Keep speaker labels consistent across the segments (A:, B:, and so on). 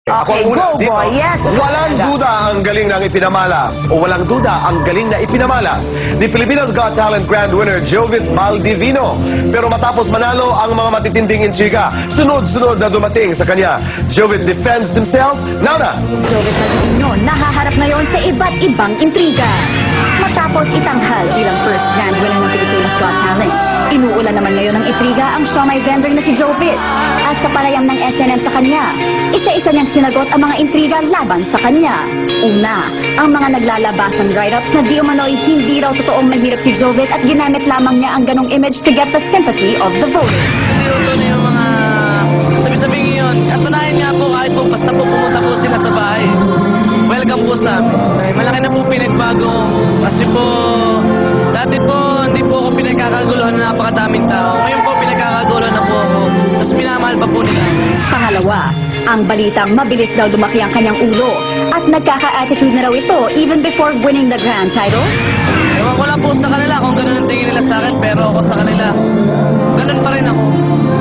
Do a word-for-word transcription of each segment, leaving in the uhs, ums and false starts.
A: Ako
B: Okay,
A: ang una,
B: go,
A: dito.
B: boy. Yes.
A: Walang duda ang galing ng ipinamalas o walang duda ang galing na ipinamalas ni Pilipinas Got Talent Grand Winner Jovit Maldivino. Pero matapos manalo ang mga matitinding intriga, sunod-sunod na dumating sa kanya. Jovit defends himself. Now na!
C: Jovit Maldivino nahaharap ngayon sa iba't ibang intriga. Matapos itanghal bilang first grand winner ng Pilipinas Got Talent, inuulan naman ngayon ng intriga ang siomai vendor na si Jovit. At sa palayam ng S N N sa kanya, isa-isa niyang sinagot ang mga intriga laban sa kanya. Una, ang mga naglalabasang write-ups na di umano'y hindi raw totoong mahirap si Jovit at ginamit lamang niya ang ganong image to get the sympathy of the voters.
D: Hindi ko na yung mga sabi-sabing yun. At tunahin nga po kahit po basta po pumunta po sila sa bahay. Welcome po sa amin. Ay, malaki na po pinagbago. Kasi po, dati po hindi po ako pinagkakaguluhan ng napakadaming tao. Ngayon po pinagkakaguluhan na po ako. Tapos minamahal pa po nila.
C: Pangalawa, ang balitang mabilis daw lumaki ang kanyang ulo at nagkaka-attitude na raw ito even before winning the grand title.
D: Ewan ko lang po sa kanila kung ganun ang tingin nila sa akin, pero ako sa kanila, ganun pa rin ako.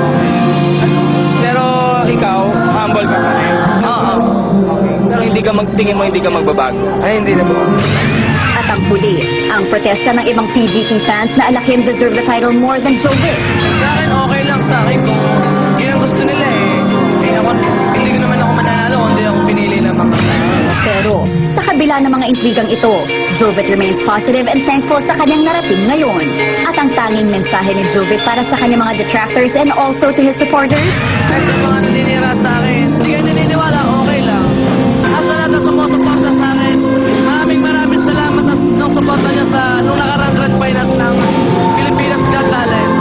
E: Pero ikaw, humble ka pa rin.
D: Oo.
E: Pero hindi ka magtingin mo, hindi ka magbabago.
D: Ay, hindi na po.
C: At ang huli, ang protesta ng ibang P G T fans na alakim deserve the title more than Jovit.
D: Sa akin, okay lang sa akin kung yun ang gusto nila eh. Eh ako, hindi ko naman ako mananalo kung hindi ako pinili naman.
C: Pero sa kabila ng mga intrigang ito, Jovit remains positive and thankful sa kanyang narating ngayon. At ang tanging mensahe ni Jovit para sa kanyang mga detractors and also to his supporters,
D: Ay, sa mga naninira sa akin, hindi kayo naniniwala, okay lang. Nasa lahat na sumusuporta sa akin, maraming maraming salamat na nung suporta niya sa nung nakarang grand finals ng Pilipinas Got Talent.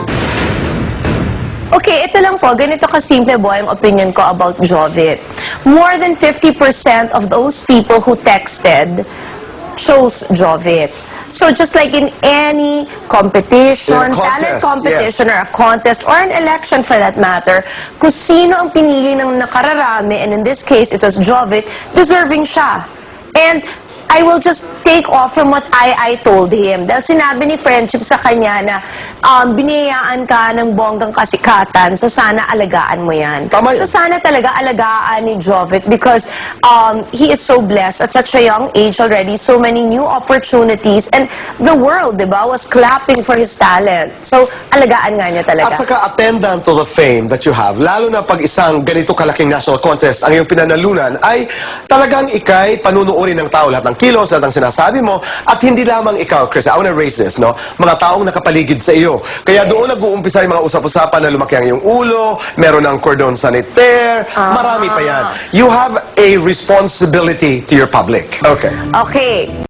B: Okay, ito lang po. Ganito kasimple, boy, ang opinion ko about Jovit. More than fifty percent of those people who texted chose Jovit. So just like in any competition,
A: In a contest,
B: talent competition, or a contest, or an election for that matter, kung sino ang pinili ng nakararami, and in this case, it was Jovit, deserving siya. And I will just take off from what I I told him. Dahil sinabi ni Friendship sa kanya na um, biniyayaan ka ng bonggang kasikatan, so sana alagaan mo yan.
A: Tama
B: So
A: yun.
B: sana talaga alagaan ni Jovit because um, he is so blessed at such a young age already, so many new opportunities, and the world, di ba, was clapping for his talent. So alagaan nga niya
A: At
B: talaga.
A: saka attendant to the fame that you have, lalo na pag isang ganito kalaking national contest ang iyong pinanalunan, ay talagang ikay panunuorin ng tao lahat ng kilos, lahat ng sinasabi mo, at hindi lamang ikaw, Chris, I wanna raise this, no? Mga taong nakapaligid sa iyo. Kaya doon nag-uumpisa yung mga usap-usapan na lumaki ang iyong ulo, meron ng cordon sanitaire, marami pa yan. You have a responsibility to your public. Okay.
B: Okay.